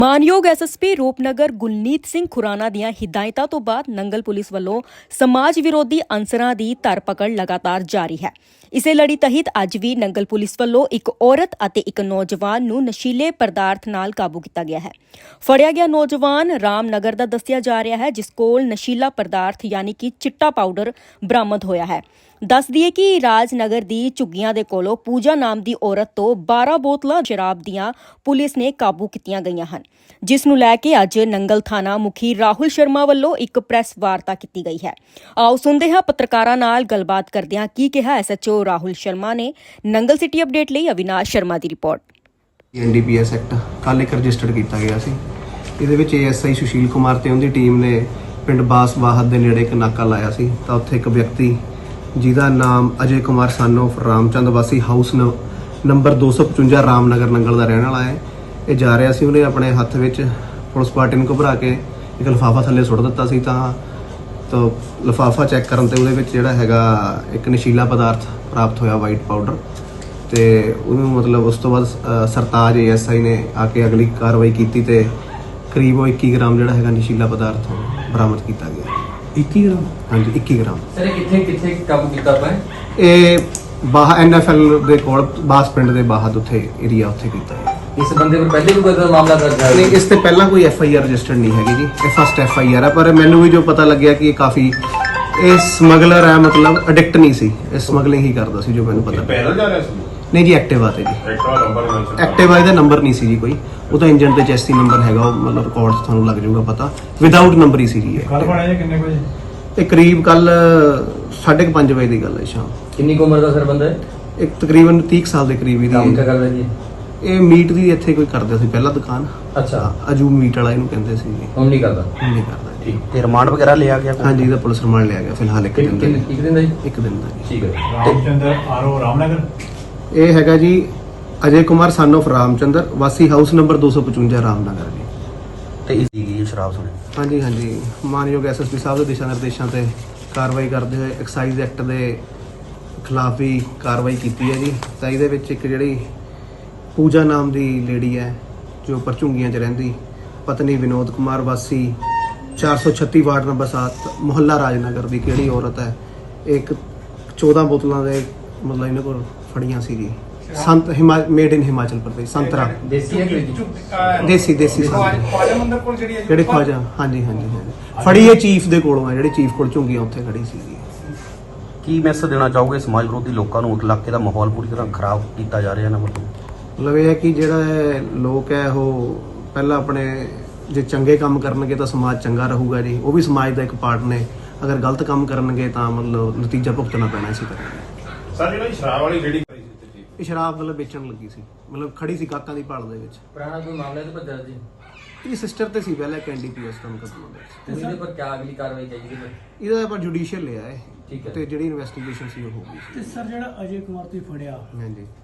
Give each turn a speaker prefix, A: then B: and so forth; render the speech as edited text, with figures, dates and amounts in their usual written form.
A: ਮਾਨਯੋਗ ਐਸਐਸਪੀ ਰੂਪਨਗਰ ਗੁਲਨੀਤ ਸਿੰਘ ਖੁਰਾਨਾ ਦੀਆਂ ਹਿਦਾਇਤਾਂ ਤੋਂ ਬਾਅਦ ਨੰਗਲ ਪੁਲਿਸ ਵੱਲੋਂ ਸਮਾਜ ਵਿਰੋਧੀ ਅਨਸਰਾਂ ਦੀ ਧਰਪਕੜ ਲਗਾਤਾਰ ਜਾਰੀ ਹੈ। ਇਸੇ ਲੜੀ ਤਹਿਤ ਅੱਜ ਵੀ ਨੰਗਲ ਪੁਲਿਸ ਵੱਲੋਂ ਇੱਕ ਔਰਤ ਅਤੇ ਇੱਕ ਨੌਜਵਾਨ ਨੂੰ ਨਸ਼ੀਲੇ ਪਦਾਰਥ ਨਾਲ ਕਾਬੂ ਕੀਤਾ ਗਿਆ ਹੈ। ਫੜਿਆ ਗਿਆ ਨੌਜਵਾਨ ਰਾਮਨਗਰ ਦਾ ਦੱਸਿਆ ਜਾ ਰਿਹਾ ਹੈ, ਜਿਸ ਕੋਲ ਨਸ਼ੀਲਾ ਪਦਾਰਥ ਯਾਨੀ ਕਿ ਚਿੱਟਾ ਪਾਊਡਰ ਬਰਾਮਦ ਹੋਇਆ ਹੈ। ਦੱਸ ਦਈਏ ਕਿ ਰਾਜਨਗਰ ਦੀ ਝੁੱਗੀਆਂ ਦੇ ਕੋਲੋਂ ਪੂਜਾ ਨਾਮ ਦੀ ਔਰਤ ਤੋਂ 12 ਬੋਤਲਾਂ ਸ਼ਰਾਬ ਦੀਆਂ ਪੁਲਿਸ ਨੇ ਕਾਬੂ ਕੀਤੀਆਂ ਗਈਆਂ ਹਨ, ਜਿਸ ਨੂੰ ਲੈ ਕੇ ਅੱਜ ਨੰਗਲ ਥਾਣਾ ਮੁਖੀ ਰਾਹੁਲ ਸ਼ਰਮਾ ਵੱਲੋਂ ਇੱਕ ਪ੍ਰੈਸ ਵਾਰਤਾ ਕੀਤੀ ਗਈ ਹੈ। ਆਓ ਸੁਣਦੇ ਹਾਂ ਪੱਤਰਕਾਰਾਂ ਨਾਲ ਗੱਲਬਾਤ ਕਰਦਿਆਂ ਕੀ ਕਿਹਾ ਐਸਐਚਓ ਰਾਹੁਲ ਸ਼ਰਮਾ ਨੇ। ਨੰਗਲ ਸਿਟੀ ਅਪਡੇਟ ਲਈ ਅਵਿਨਾਸ਼ ਸ਼ਰਮਾ ਦੀ ਰਿਪੋਰਟ।
B: NDPS ਐਕਟ ਕੱਲ੍ਹ ਇੱਕ ਰਜਿਸਟਰਡ ਕੀਤਾ ਗਿਆ ਸੀ। ਇਹਦੇ ਵਿੱਚ ASI ਸੁਸ਼ੀਲ ਕੁਮਾਰ ਤੇ ਉਹਦੀ ਟੀਮ ਨੇ ਪਿੰਡ ਬਾਸਵਾਹਤ ਦੇ ਨੇੜੇ ਇੱਕ ਨਾਕਾ ਲਾਇਆ ਸੀ, ਤਾਂ ਉੱਥੇ ਇੱਕ ਵਿਅਕਤੀ ਜਿਹਦਾ ਨਾਮ ਅਜੇ ਕੁਮਾਰ ਸਨ ਆਫ ਰਾਮਚੰਦ ਵਾਸੀ ਹਾਊਸ ਨੰਬਰ 255 ਰਾਮਨਗਰ ਨੰਗਲ ਦਾ ਰਹਿਣ ਵਾਲਾ ਹੈ। ਇਹ ਜਾ ਰਿਹਾ ਸੀ, ਉਹਨੇ ਆਪਣੇ ਹੱਥ ਵਿੱਚ ਪੁਲਿਸ ਪਾਰਟੀ ਨੂੰ ਘਬਰਾ ਕੇ ਇੱਕ ਲਿਫਾਫਾ ਥੱਲੇ ਸੁੱਟ ਦਿੱਤਾ ਸੀ। ਤਾਂ ਲਿਫਾਫਾ ਚੈੱਕ ਕਰਨ ਤੇ ਉਹਦੇ ਵਿੱਚ ਜਿਹੜਾ ਹੈਗਾ ਇੱਕ ਨਸ਼ੀਲਾ ਪਦਾਰਥ ਪ੍ਰਾਪਤ ਹੋਇਆ, ਵਾਈਟ ਪਾਊਡਰ। ਤੇ ਉਹਨੂੰ ਮਤਲਬ ਉਸ ਤੋਂ ਬਾਅਦ ਸਰਤਾਜ ASI ਨੇ ਆ ਕੇ ਅਗਲੀ ਕਾਰਵਾਈ ਕੀਤੀ ਤੇ ਕਰੀਬ 21 ਗ੍ਰਾਮ ਜਿਹੜਾ ਹੈਗਾ ਨਸ਼ੀਲਾ ਪਦਾਰਥ ਬਰਾਮਦ ਕੀਤਾ ਗਿਆ।
C: 21 ਗ੍ਰਾਮ?
B: ਹਾਂਜੀ, 21 ਗ੍ਰਾਮ।
C: ਸਰ ਇਹ ਕਿੱਥੇ ਕਾਬੂ ਕੀਤਾ ਆਪਾਂ?
B: ਇਹ NFL ਦੇ ਕੋਲ ਬਾਸ ਪਿੰਡ ਦੇ ਬਾਹਰ ਉੱਥੇ ਏਰੀਆ ਉੱਥੇ ਕੀਤਾ ਹੈ।
C: ਇਸ ਬੰਦੇ ਪਰ ਪਹਿਲੇ ਵੀ ਕੋਈ ਮਾਮਲਾ ਦਰਜ ਹੈ?
B: ਨਹੀਂ, ਇਸ ਤੇ ਪਹਿਲਾਂ ਕੋਈ FIR ਰਜਿਸਟਰਡ ਨਹੀਂ ਹੈਗੀ ਜੀ, ਇਹ ਫਸਟ FIR ਹੈ। ਪਰ ਮੈਨੂੰ ਵੀ ਜੋ ਪਤਾ ਲੱਗਿਆ ਕਿ ਇਹ ਕਾਫੀ ਸਮਗਲਰ ਹੈ, ਮਤਲਬ ਐਡਿਕਟ ਨਹੀਂ ਸੀ, ਇਹ ਸਮਗਲਿੰਗ ਹੀ ਕਰਦਾ ਸੀ ਜੋ ਮੈਨੂੰ ਪਤਾ।
D: ਪੈਦਲ ਜਾ ਰਿਹਾ ਸੀ?
B: ਨਹੀਂ ਜੀ, ਐਕਟਿਵਾ ਤੇ ਜੀ। ਐਕਟਿਵਾ ਦਾ ਨੰਬਰ ਨਹੀਂ ਸੀ ਜੀ ਕੋਈ, ਉਹ ਤਾਂ ਇੰਜਨ ਤੇ ਚੈਸੀ ਨੰਬਰ ਹੈਗਾ, ਉਹ ਮਤਲਬ ਰਿਕਾਰਡ ਤੁਹਾਨੂੰ ਲੱਗ ਜਾਊਗਾ ਪਤਾ, ਵਿਦਆਊਟ ਨੰਬਰ ਹੀ ਸੀ ਜੀ।
D: ਕੱਲ ਬਣਾਇਆ ਕਿੰਨੇ ਵਜੇ?
B: ਇਹ ਕਰੀਬ ਕੱਲ 5:30 ਵਜੇ ਦੀ ਗੱਲ ਹੈ ਸ਼ਾਮ।
C: ਕਿੰਨੀ ਕੁ ਉਮਰ ਦਾ ਸਰ ਬੰਦਾ ਹੈ?
B: ਇੱਕ ਤਕਰੀਬਨ 30 ਸਾਲ ਦੇ ਕਰੀਬ
C: ਕੰਮ
B: ਇਹਦੀ।
C: ਕਿਆ ਕਰਦਾ ਜੀ?
B: ਇਹ ਮੀਟ ਦੀ ਇੱਥੇ ਕੋਈ ਕਰਦਾ ਸੀ ਪਹਿਲਾਂ ਦੁਕਾਨ।
C: ਅੱਛਾ,
B: ਅਜੂਬ ਮੀਟ ਵਾਲਾ ਇਹਨੂੰ ਕਹਿੰਦੇ ਸੀ ਜੀ।
C: ਹੁਣ ਨਹੀਂ ਕਰਦਾ?
B: ਹੁਣ ਨਹੀਂ ਕਰਦਾ ਜੀ।
C: ਠੀਕ।
E: ਤੇ ਰਿਮਾਂਡ ਵਗੈਰਾ ਲਿਆ ਗਿਆ?
B: ਹਾਂਜੀ, ਇਹਦਾ ਪੁਲਿਸ ਰਿਮਾਂਡ ਲਿਆ ਗਿਆ ਫਿਲਹਾਲ ਇੱਕ ਦਿਨ ਦਾ ਜੀ।
C: ਇੱਕ ਦਿਨ ਦਾ ਜੀ?
B: ਇੱਕ ਦਿਨ ਦਾ ਜੀ।
C: ਠੀਕ ਹੈ।
D: ਰਾਮਚੰਦਰ RO ਰਾਮਨਗਰ।
B: ਇਹ ਹੈਗਾ ਜੀ ਅਜੇ ਕੁਮਾਰ ਸਨ ਆਫ ਰਾਮਚੰਦਰ ਵਾਸੀ ਹਾਊਸ ਨੰਬਰ 255 ਰਾਮਨਗਰ ਜੀ।
E: ਤੇ ਇਸ ਦੀ ਸ਼ਰਾਬ ਸੁਣੇ?
B: ਹਾਂਜੀ ਹਾਂਜੀ, ਮਾਨਯੋਗ SSP ਸਾਹਿਬ ਦੇ ਦਿਸ਼ਾ ਨਿਰਦੇਸ਼ਾਂ ਤੇ ਕਾਰਵਾਈ ਕਰਦੇ ਹੋਏ ਐਕਸਾਈਜ਼ ਐਕਟ ਦੇ ਖਿਲਾਫ ਵੀ ਕਾਰਵਾਈ ਕੀਤੀ ਹੈ ਜੀ। ਤਾਂ ਇਹਦੇ ਵਿੱਚ ਇੱਕ ਜਿਹੜੀ ਪੂਜਾ ਨਾਮ ਦੀ ਲੇਡੀ ਹੈ ਜੋ ਪਰਚੁੰਗੀਆਂ 'ਚ ਰਹਿੰਦੀ, ਪਤਨੀ ਵਿਨੋਦ ਕੁਮਾਰ ਵਾਸੀ 436 ਵਾਰਡ ਨੰਬਰ 7 ਮੁਹੱਲਾ ਰਾਜਨਗਰ ਦੀ ਕਿਹੜੀ ਔਰਤ ਹੈ, ਇੱਕ 14 ਬੋਤਲਾਂ ਦੇ ਮਤਲਬ ਇਹਨਾਂ ਕੋਲ ਫੜੀਆਂ ਸੀ ਜੀ। ਸੰਤ ਮੇਡ ਇਨ ਹਿਮਾਚਲ ਪ੍ਰਦੇਸ਼, ਸੰਤਰਾ
C: ਦੇਸੀ ਹੈ ਕਿ
B: ਦੇਸੀ
D: ਖਵਾਜਾ ਮੰਦਰ ਕੋਲ ਜਿਹੜੀ ਹੈ
B: ਜਿਹੜੇ ਖਵਾਜਾ। ਹਾਂਜੀ ਹਾਂਜੀ ਹਾਂਜੀ, ਫੜੀ ਇਹ ਚੀਫ ਦੇ ਕੋਲੋਂ ਹੈ, ਜਿਹੜੀ ਚੀਫ ਕੋਲ ਝੁੰਗੀਆਂ ਉੱਥੇ ਖੜੀ ਸੀ ਜੀ।
E: ਕੀ ਮੈਸੇਜ ਦੇਣਾ ਚਾਹੋਗੇ ਸਮਾਜ ਵਿਰੋਧੀ ਲੋਕਾਂ ਨੂੰ? ਇਲਾਕੇ ਦਾ ਮਾਹੌਲ ਪੂਰੀ ਤਰ੍ਹਾਂ ਖਰਾਬ ਕੀਤਾ ਜਾ ਰਿਹਾ ਨਾ?
B: ਮਤਲਬ ਇਹ ਹੈ ਕਿ ਜਿਹੜਾ ਲੋਕ ਹੈ ਉਹ ਪਹਿਲਾਂ ਆਪਣੇ ਜੇ ਚੰਗੇ ਕੰਮ ਕਰਨਗੇ ਤਾਂ ਸਮਾਜ ਚੰਗਾ ਰਹੂਗਾ ਜੀ। ਉਹ ਵੀ ਸਮਾਜ ਦਾ ਇੱਕ ਪਾਰਟ ਨੇ, ਅਗਰ ਗਲਤ ਕੰਮ ਕਰਨਗੇ ਤਾਂ ਮਤਲਬ ਨਤੀਜਾ ਭੁਗਤਣਾ ਪੈਣਾ ਇਸੇ ਕਰਕੇ।
D: ਸਰ ਜਿਹੜੀ ਸ਼ਰਾਬ ਵਾਲੀ ਜਿਹੜੀ ਕਰੀ ਸੀ
B: ਇਹ ਸ਼ਰਾਬ ਮਤਲਬ ਵੇਚਣ ਲੱਗੀ ਸੀ, ਮਤਲਬ ਖੜੀ ਸੀ ਕਾਕਾਂ ਦੀ ਭਾਲ ਦੇ ਵਿੱਚ।
C: ਪੁਰਾਣਾ ਕੋਈ ਮਾਮਲਾ ਤੇ ਭੱਜਾ ਜੀ?
B: ਇਹ ਸਿਸਟਰ ਤੇ ਸੀ ਪਹਿਲਾਂ ਇੱਕ NDPS ਦਾ ਮੁਕੱਦਮਾ ਦਰਜ।
C: ਤੇ ਇਹਦੇ ਪਰ ਕਿਆ ਅਗਲੀ ਕਾਰਵਾਈ ਚਾਹੀਦੀ ਹੈ?
B: ਇਹਦਾ ਆਪਾਂ ਜੁਡੀਸ਼ੀਅਲ ਲਿਆ ਹੈ
C: ਠੀਕ ਹੈ।
B: ਤੇ ਜਿਹੜੀ ਇਨਵੈਸਟੀਗੇਸ਼ਨ ਸੀ ਉਹ ਹੋ ਗਈ ਸੀ।
F: ਤੇ ਸਰ ਜਿਹੜਾ ਅਜੇ ਕੁਮਾਰ ਤੁਸੀਂ ਫੜਿਆ,
B: ਹਾਂਜੀ,